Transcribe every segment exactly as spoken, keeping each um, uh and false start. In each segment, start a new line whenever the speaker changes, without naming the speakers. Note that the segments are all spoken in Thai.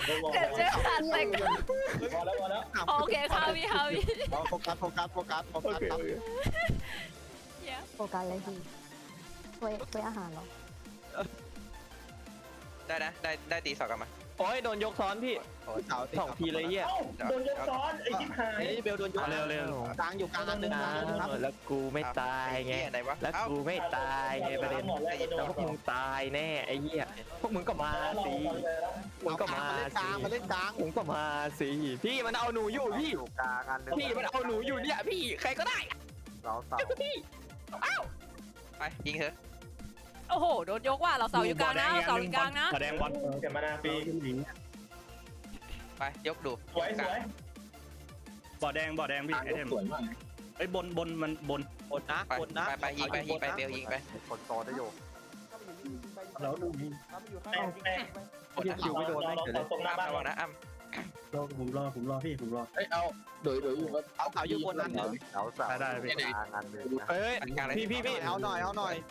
เดี๋ยวเจอขาดเต็ง
พอแล้วพอแล้ว
โอเคค่ะพี่ค่ะพี่
โฟกัสโฟกัสโฟกัสโฟกัสครับ
โฟกัสเลยพี่ถ้วยถ้วยอาหารเหรอ
ได้นะได้ได้ตีสองกลับมา
โอ้ยโดนยกซ้อนพี่สองทีเลยเหี้ย
เอ้าโดนยกซ้อนไอ้ชิบหาย
ไอ้เบลโดนยก
เร็วเร็ว
กลางอยู่กลางอันหนึ่ง
นะ
นะครับ
แล้วกูไม่ตายไง
ไหนวะ
แล้วกูไม่ตายไงประเด็น
หมดแล้วโด
แล้ว
น
พวกมึงตายแน่ไอ้เหี้ยพวกมึงก็มาสิมึงก็มา
เล่นก
สิ
ลางมาเล่นกลาง
มึงก็มาสิพี่มันเอาหนูอยู่พี่
อยู่กลางอันหนึง
พี่มันเอาหนูอยู่เนี่ยพี่ใครก็ได้
เราเสา
พี่
ไปยิงเถอะ
โอ้โหโดนยกว่ะเราเสาอยู่กลางนะเราเสาอยู่กลางนะ
แสดงบอล
เก็บมานาปี
ไปยกดู
สวยสวย
บ่อแดงบ่อแดงพี่ไอเทมไอ้บนบนมันบน
บนนะ
ไป
บนนะ
ไปไปยิงไปยิงไปเบลยิงไป
คนโตได้อยู่
แล้วดูนี่แป้งแป้ง
กดนะ
คิวไม่โดนเราเราตรงหน้า
อ้ำ
บ้าน
ระวังนะอ้ำ
รอผมรอผมรอพี่ผมรอ
เอ้ยเอาโดยโดยอยู่ว่าเอาเสาอยู่บนนั้นเหรอ
เราเสา
ได้ได้พี่
กลางอันหนึงนะ
เฮ้ยพี่พี่พี่
เอาหน่อยเอาหน่อย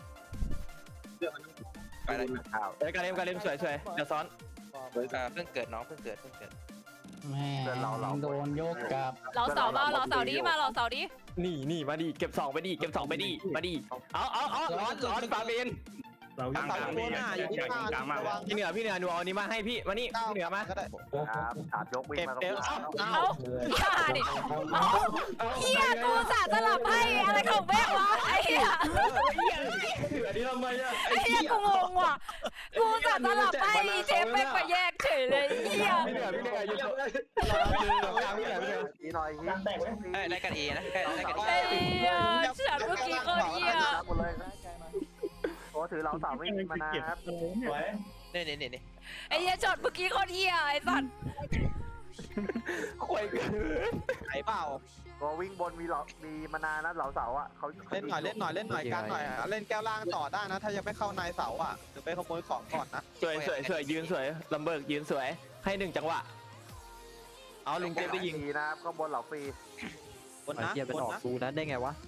ไปเลย
ข้าว
เฮ้ยการเล่นการเล่นสวยสวยเดี๋ยวซ้อน
เพิ่งเกิดน้องเพิ่งเกิดเพิ่งเกิด
แม่โดนโยกกลับ
เราเสามาเราเสาดีมาเราเสาดี
นี่นี่มาดิเก็บสองไปดิเก็บสองไปดิมาดิเอาเอาเอาร้อนร้อนฟาเบน
เรากลางกลางพี่อยากอยากยิงกลางมากเลย
พี่เหนือพี่เหนือหนูเอานี้มาให้พี่มานี่พี่เหนือมา
ก็ได้
ครับขาดยกวิ่งมาตรงนี้
เอาฆ่าดิเอาเฮียกูสาสลับให้อะไรของแม่วะไอ้เฮีย
เหนือนี่ทำไมอะ
ไอ้เฮียกูงงว่ะกูสาสลับให้เชฟแม่งมาแยกเฉยเลยเฮีย
พี่เหนือพี่เหนืออยู่ตรงกลางพี่เหนือพี่เหนือ
นี่หน่อย
กลางแตกไว้
เอ้ยได้กันเอนะได้ได้กันเอ
ไอ้เฮียฉันเมื่อกี้ก็เฮีย
หมดเลยโอ้ถือเราเสาไม่มีมานะครับ
สวย
นี่นี่นี่นี่
ไอ้เฮียช็อตเมื่อกี้ก็เฮียไอ้สัตว์
ข่วยเกิน
ไหนเปล่า
ตัววิ่งบนมีเหลามีมานานนะเหลาเสาอ่ะเขา
เล่นหน่อยเล่นหน่อยเล่นหน่อยกลางหน่อยเล่นแก้วล่างต่อได้นะ ถ้ายังไม่เข้าในเสาอ่ะหรือไปขโมยของก่อนนะ
สวยสวยสวยยืนสวยลำเบิกยืนสวยให้หนึ่งจังหวะเอาลุงเจมได้ยิง
ฟรีนะครับข้างบนเหลาฟรี
บนนะบนนะ
กูนั้นได้ไงวะ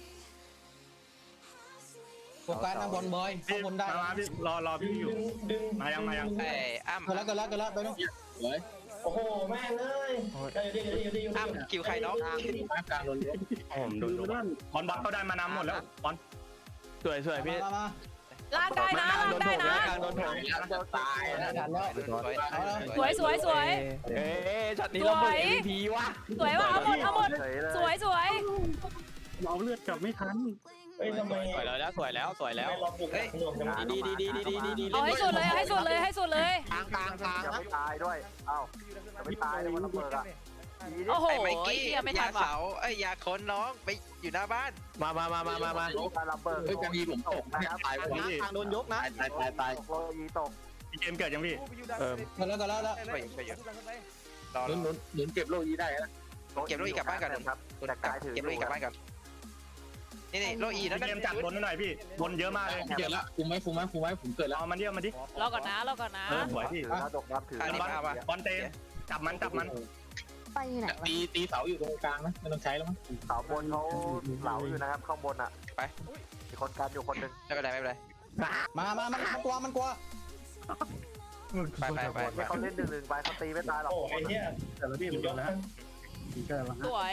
โฟกัสนะบอลบอยข้างบนได้
มามาพี่รอรอพี่อยู่
ดึง
มายังมายัง
ไอ้อ้ำ
ก็แล้วก็แล้วก็แล้วไปนู้น
โอ้โหแม่งเลยได้ดีดีดีดี
อ้ำคิวใครน้อง
ผมดูดูบอลบอลเขาได้มานำหมดแล้วบอล
สวยสวยพี่
มามา
ลากได้นะลากได้นะ
โดนโถม
ตาย
มาทันแล้ว
สวย
สวยสวยสวย
เอ๊ะช็อตนี้ลำเบิก เอ็ม วี พีวะ
สวยว่ะเอาหมดเอาหมด
เฉยเลย
สวยสวย
เราเลือดกลับไม่ทัน
เฮ้ยทำไม
สวยแล้วสวยแล้วสวยแล้ว
เราปลุกหน่วงจัง
ดีดีดีดีดีดีดี
เอาให้สุดเลยให้สุดเลยให้สุดเลย
กลางกลางกลาง
จะ
นะ
ไม่ตายด้วยเอ้าจะไม่ตายเลยมันระเบิดอ่ะ
โอ้โห
ไอ้ไมกี้
เฮียไม่ทั
ยาน
ว่ะ
เสาไอ้ยาคนน้องไปอยู่หน้าบ้าน
มามามามามามา
การระเบิดเฮ้ยจะมีผมตกนะครับตาย
กลางกลางโดนยกนะ
ตายตายตายโลยีตก
พี่เกมเกิดยังพี่
เออ
ก็แล้วก็แล้วแล้ว
ไปไปอยู่รอ
หนุนหนุนหนุนเก็บโลยีได้นะ
เก็บโลอีกลับบ้านก่อน
ครับ
เก็บโลอีกลับบ้านก่อนนี่นี่โลอีนั่น
พี่เกมจัดบนหน่อยพี่บนเยอะมากเลย
เกิดละคุมไหมคุมไหมคุมไหมผมเกิดแล้ว
เอามันเดียวมันดิ
รอก่อนนะรอก่อนนะ
เออสวยพี่
ถือแล้วดกรับถือ
อันนี้มาป่ะ
บอลเตมจับมันจับมัน
ไปอยู่ไหนวะ
ตีตีเสาอยู่ตรงกลางนะไม่ต้องใช้แล้วมั้ง
เสาบนเขาเหลาอยู่นะครับข้างบนอ่ะ
ไป
มีคนกันอยู่คนหนึ่ง
ไม่เป็นไรไม่เป็นไร
มามามันกลัวมันกลัว
ไปไปไปไป
ที่เขาเล่นหนึ่งหนึ่งไปเขาตีไม่ตายหรอก
โอ้ไอ้เหี้ย
แต่ละพี่
สุดยอด
แล้วเกิดแล้ว
สวย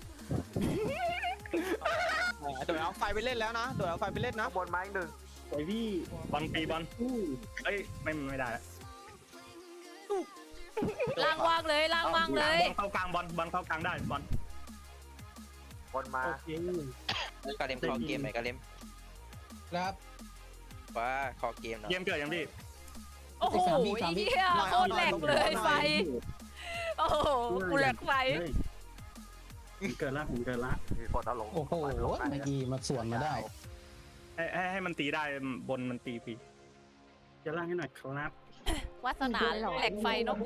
โดยเอาไฟไปเล่นแล้วนะโดยเอาไฟไปเล่นนะ
ข้างบนไม้หนึ่ง
โอ้ยพี่บอลปีบอลเอ้ยไม่ไม่ได้
ล่างว่างเลยล่างว่างเลย
เข้ากลางบอลบอลเข้ากลางได้บอล
บนมาก
าเลมคอเกมไหนกาเลม
ครับ
ว่าคอเกมเนาะ
เกมเกิดยังพี่
โอ้โหเฮียโคตรแหลกเลยไฟโอ้โหกูแหลกไฟ
เกิดละผมเกิดละ
มีคนเอาลง
โอ้โหเมื่อกี้มาสวนมาได้
ให้ให้ให้มันตีได้บนมันตีปีจะล่างให้หน่อยครับ
วาสนาแหลกไฟเนาะกู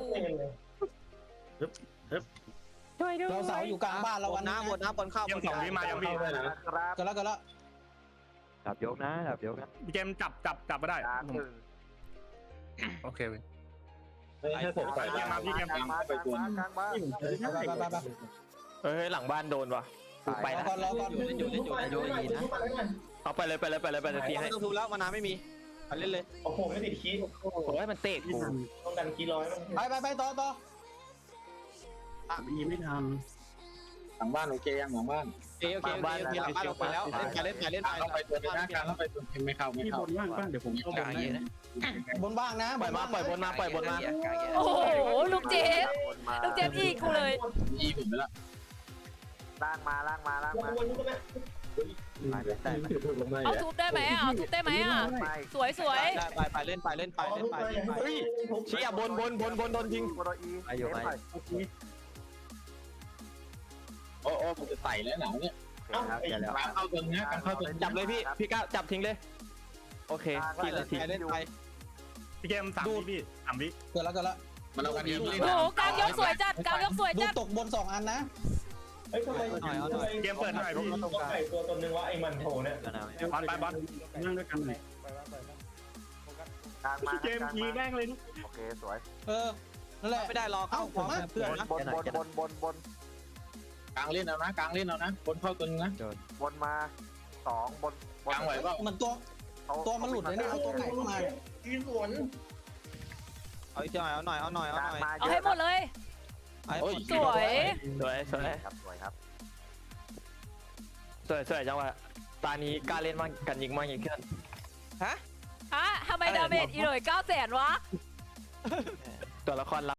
เราเสาอยู่กลางบ้านเรา
บ
วัน
นนะ
นี้
บนนะบนเข้า
เกมสองนี้มายังพี่
ครับ
ก็แล้วก็แล้ว
ดับยกนะดับยกนะ
เกมจับจับจับมาได้
กลางหนึ่ง
โอเคเว้ย
ให้ผม
ไปเกมมาพี่เกม
กลางมากลางมากลางมา
ไปไปไปไป
เฮ้ยหลังบ้านโดนว่ะกูไป
รอ
นะ
ก่อนรอก่อน
เล่นอยู่เล่นอยู่เล่นอยู่อีนะ
เอาไปเลยไปเลยไปเลยไปเลยทีให้
ไม่ต้องทุบแล้วมานาไม่มีไปเล่นเลย
โอ้โหไม่ติดคีย์
โอ้ยมันเตะกู
โอ้ต้องกันกี่ร้อยมัน
ไปไปไปต่อต่อ
ยีไม่ทัน
หลังบ้านโอเคยังหลังบ้าน
โอเคโอเคโอเคโอเคหลังบ้านลงไปแล้วเล่นไปเล่นไปเล่นไป
เข้าไปตัวนึงนะการเข้าไปตัวไม่เข้าไม่
ที่
เข้า
บนว่างป่ะเดี๋ยวผมเข้าบ
กลาง
น
เยอะนะ
บนบ้างนะ
ปล่อยมาปล่อยบนมาปล่อยบนมา
กลางเยอะ
โอ้โหลูกเจฟ
วนมา
ลูกเจฟอีกกูเลย
อีผมไปละ
ล่างมาล่างมาล่าง
วน
มา
วนก็ไม่
ได้ไหม
เอาทุบได้ไหมอ่ะเอาทุบได้ไหมอ่ะ
ไม่
สวยสวย
ได้ไปไปเล่นไปเล่นไปเล่นไปเล่นไป
เฮ้ยเชี่ยบนบนบนบนโดนยิง
โคโดอีเซฟหน่อย
โอ้โอ้ผมจะใส่แล้วหนาวเนี่ย
เอ้าไอ้
การเข้าตัวนะการเข้าตัว
จับเลยพี่พี่ก้าวจับทิ้งเลยโอเคพี่ละที
ไปเล่นไป
พี่เกมสามวิพี่สามวิ
เกิดแล้วเกิดแล้ว
มันเอากันเยอะเลย
โอ้โหกลางยกสวยจัดกลางยกสวย
ลู
จั
ก
ด
ตกบนสองอันนะ
เฮ้ยทำไม
เกมเปิดหน่อยพี่
ต้องไก่ตัวตนนึงว่าไอ้มันโถเนี่ย
บอลไปบอลนั่งด้วยกันหน่อย
กลางมา
เกมยีแม่งเลย
โอเคสวย
เออนั่นแหละ
ไม่ได้รอเข้าเพื่อนนะ
บนบนบนบนบน
กลางเล่นเอานะกลางเล่นเอานะบนเข้าตัวนึงนะ
บนมาสองบนบ
กลางไหวเปล่า
เหมือนตัวตัวมันหลุดเลยนะเอาตัวไหนเข้ามา
ยืนสวน
เอาอีกหน่อยเอาหน่อยเอาหน่อย
ก
เอา
ลาง
หน่อย
มา
เอาให้หมดเลย
โอ้ย
สวย
สวยสวย
ครับสวยครับ
สวยสวยจังหวะตานี้กล้าเล่นมากกันยิงมากยิ่งขึ้น
ฮะ
ฮะทำไมดาเมจอีโหน่อยเก้าแสนวะ
ตัวละคร